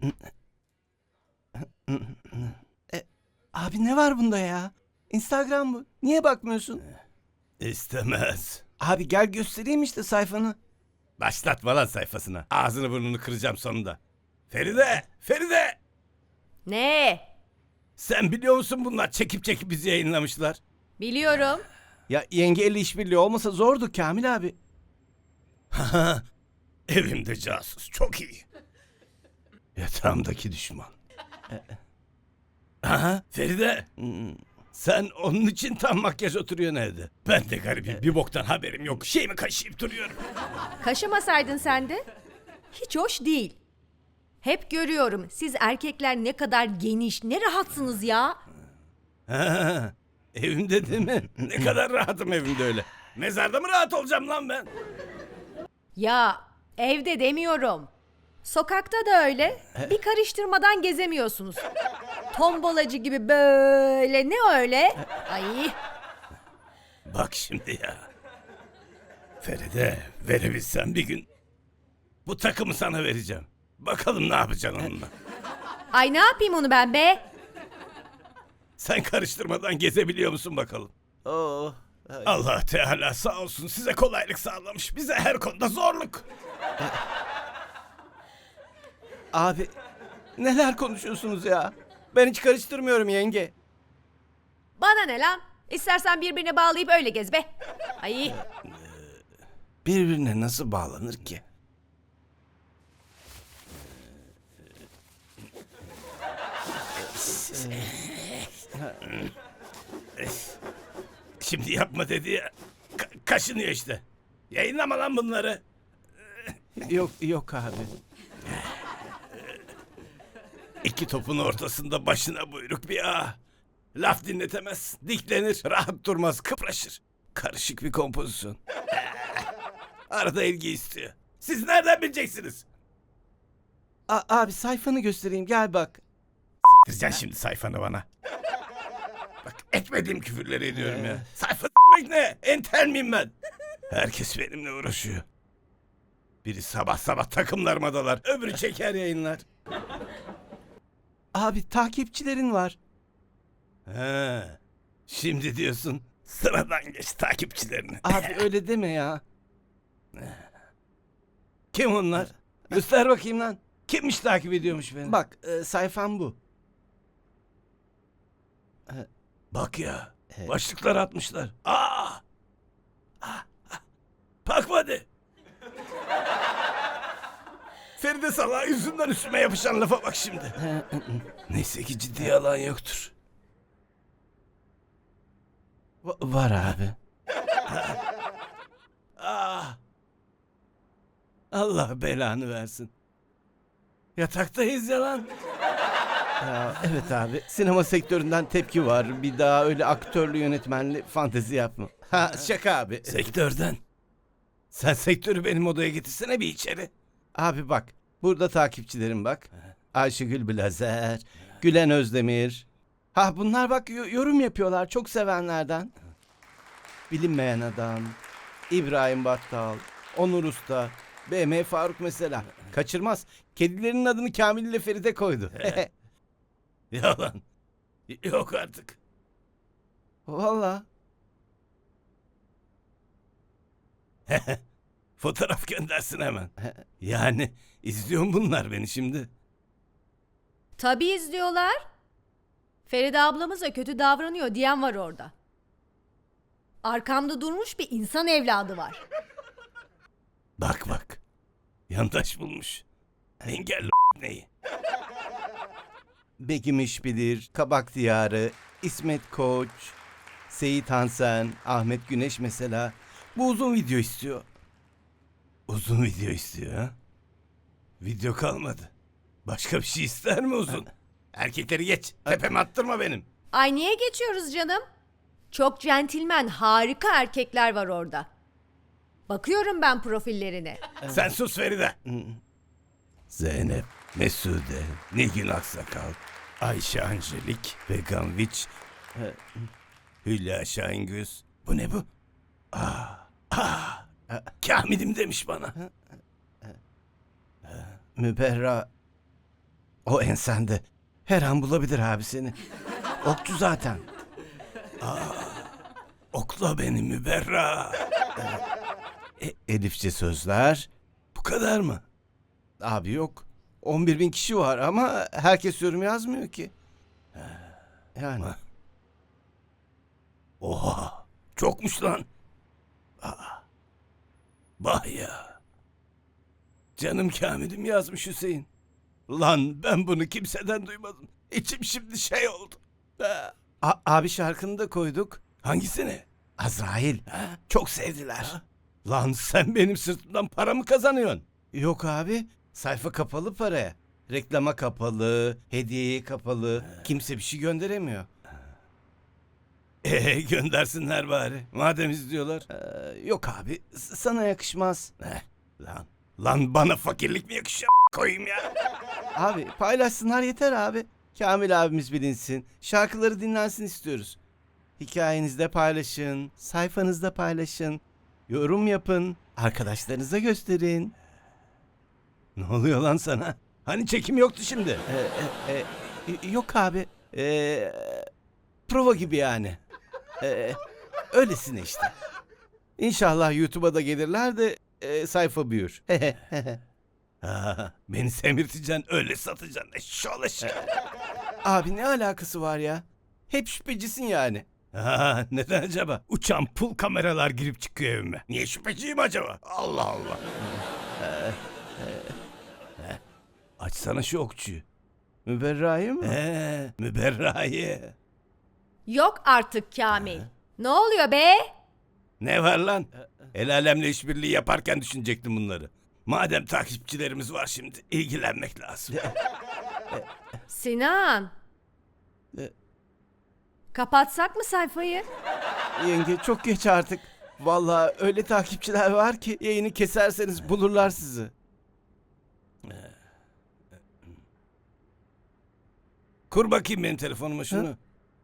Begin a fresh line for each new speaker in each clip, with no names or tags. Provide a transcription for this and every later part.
Abi ne var bunda ya? Instagram bu. Niye bakmıyorsun?
İstemez.
Abi gel göstereyim işte sayfanı.
Başlatma lan sayfasına. Ağzını burnunu kıracağım sonunda. Feride! Feride!
Ne?
Sen biliyor musun bunlar çekip çekip bizi yayınlamışlar?
Biliyorum.
Ya yengeyle işbirliği olmasa zordu Kamil abi.
Evimde casus. Çok iyi. Yatağımdaki düşman. Aha, Feride. Sen onun için tam makyaj oturuyorsun evde. Ben de garibim. Bir boktan haberim yok. Şeyimi kaşıyıp duruyorum.
Kaşımasaydın sen de. Hiç hoş değil. Hep görüyorum siz erkekler ne kadar geniş, ne rahatsınız ya.
Ha, evimde değil mi? Ne kadar rahatım evimde öyle. Mezarda mı rahat olacağım lan ben?
Ya evde demiyorum. Sokakta da öyle. Bir karıştırmadan gezemiyorsunuz. Tombalacı gibi böyle ne öyle? Ay
Bak şimdi ya. Feride, verebilsem bir gün bu takımı sana vereceğim. Bakalım ne yapacaksın onunla.
ay ne yapayım onu ben be?
Sen karıştırmadan gezebiliyor musun bakalım?
Oo.
Allah Teala sağ olsun size kolaylık sağlamış. Bize her konuda zorluk.
Abi neler konuşuyorsunuz ya? Ben hiç karıştırmıyorum yenge.
Bana ne lan? İstersen birbirine bağlayıp öyle gez be. Ay
Birbirine nasıl bağlanır ki?
Şimdi yapma dedi ya. Kaşınıyor işte. Yayınlama lan bunları.
Yok abi.
İki topun ortasında başına buyruk bir ağa. Laf dinletemez, diklenir, rahat durmaz, kıpraşır. Karışık bir kompozisyon. Arada ilgi istiyor. Siz nereden bileceksiniz?
Abi sayfanı göstereyim gel bak.
Siktireceksin şimdi sayfanı bana. Bak etmediğim küfürleri ediyorum ya. Sayfa s**mek ne? Entel miyim ben? Herkes benimle uğraşıyor. Biri sabah sabah takımlarıma dalar, öbürü çeker yayınlar.
Abi takipçilerin var.
He, şimdi diyorsun sıradan geç takipçilerini.
Abi öyle deme ya.
Kim onlar? Göster bakayım lan. Kimmiş takip ediyormuş beni?
Bak sayfam bu.
Bak ya. Başlıklar atmışlar. Bakma hadi. Feride salağı yüzünden üstüme yapışan lafa bak şimdi. Neyse ki ciddi alan yoktur.
Var abi.
Allah belanı versin. Yataktayız ya lan.
Ya, evet abi. Sinema sektöründen tepki var. Bir daha öyle aktörlü yönetmenli fantezi yapma. Ha şaka abi.
Sektörden. Sen sektörü benim odaya getirsene bir içeri.
Abi bak. Burada takipçilerim bak. Ayşegül Blazer, Gülen Özdemir. Ha bunlar bak yorum yapıyorlar çok sevenlerden. Bilinmeyen adam, İbrahim Battal, Onur Usta, BM Faruk mesela. Kaçırmaz. Kedilerinin adını Kamil ile Feride koydu.
Yalan. Yok artık.
Valla.
Fotoğraf göndersin hemen. Yani izliyor mu bunlar beni şimdi?
tabii izliyorlar. Feride ablamıza kötü davranıyor diyen var orada. Arkamda durmuş bir insan evladı var.
Bak bak. Yandaş bulmuş. Engelli neyi?
Begim İşbilir, Kabak Diyarı, İsmet Koç, Seyit Hansen, Ahmet Güneş mesela. Bu uzun video istiyor.
Uzun video istiyor ha? Video kalmadı. Başka bir şey ister mi uzun? Erkekleri geç. Tepeme attırma benim.
Ay niye geçiyoruz canım? Çok centilmen, harika erkekler var orada. Bakıyorum ben profillerine.
Sen sus Feride. Zeynep, Mesude, Nilgün Aksakal, Ayşe Angelik, Vegan Witch, Hülya Şahingöz. Bu ne bu? Kamil'im demiş bana.
Müberra. O ensende. Her an bulabilir abi seni. Okçu zaten.
Okla beni Müberra.
Elifçe sözler.
Bu kadar mı?
Abi yok. 11.000 kişi var ama herkes yorum yazmıyor ki. Yani.
Oha. Çokmuş lan. Bah ya. Canım Kamil'im yazmış Hüseyin. Lan ben bunu kimseden duymadım. İçim şimdi şey oldu.
Abi şarkını da koyduk.
Hangisini?
Azrail. Çok sevdiler.
Lan sen benim sırtımdan para mı kazanıyorsun?
Yok abi. Sayfa kapalı paraya. Reklama kapalı, hediyeye kapalı. Kimse bir şey gönderemiyor.
Göndersinler bari. Madem izliyorlar.
Yok abi. Sana yakışmaz.
Lan bana fakirlik mi yakışıyor koyayım ya?
Abi paylaşsınlar yeter abi. Kamil abimiz bilinsin. Şarkıları dinlensin istiyoruz. Hikayenizde paylaşın. Sayfanızda paylaşın. Yorum yapın. Arkadaşlarınıza gösterin.
Ne oluyor lan sana? Hani çekim yoktu şimdi?
Yok abi. Prova gibi yani. Öylesine işte. İnşallah YouTube'a da gelirler de sayfa büyür.
Beni semirteceksin öyle satacaksın. Eşşoğlu eşek.
Abi ne alakası var ya? Hep şüphecisin yani.
Neden acaba? Uçan pul kameralar girip çıkıyor evime. Niye şüpheciyim acaba? Allah Allah. Açsana şu okçuyu.
Müberra'yı mı?
Müberra'yı.
Yok artık Kamil. Ne oluyor be?
Ne var lan? El alemle işbirliği yaparken düşünecektim bunları. Madem takipçilerimiz var şimdi ilgilenmek lazım.
Sinan. Kapatsak mı sayfayı?
Yenge çok geç artık. Vallahi öyle takipçiler var ki yayını keserseniz bulurlar sizi.
Kur bakayım benim telefonuma şunu.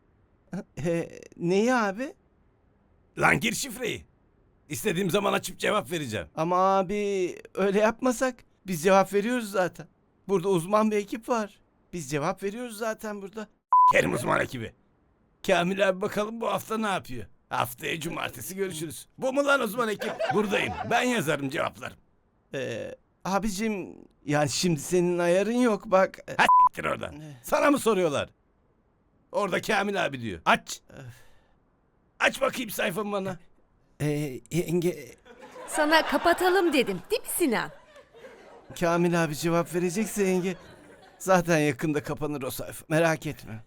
Neyi abi?
Lan gir şifreyi. İstediğim zaman açıp cevap vereceğim.
Ama abi öyle yapmasak biz cevap veriyoruz zaten. Burada uzman bir ekip var. Biz cevap veriyoruz zaten burada.
Kerim uzman ekibi. Kamil abi bakalım bu hafta ne yapıyor? Haftaya cumartesi görüşürüz. Bu mu lan uzman ekip? Buradayım. Ben yazarım cevaplarım.
Abicim yani şimdi senin ayarın yok bak.
Ha s**tir oradan. Sana mı soruyorlar? Orada Kamil abi diyor. Aç. Aç bakayım sayfamı bana.
Yenge
Sana kapatalım dedim değil mi Sinan?
Kamil abi cevap verecekse yenge zaten yakında kapanır o sayfa. Merak etme.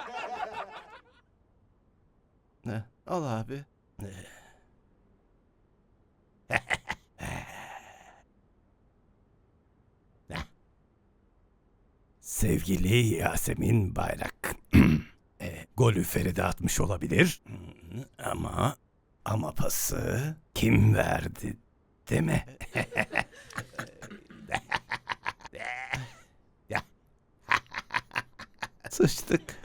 Al abi.
Sevgili Yasemin Bayrak. Golü Feride atmış olabilir. Ama pası kim verdi değil mi?
Sıçtık.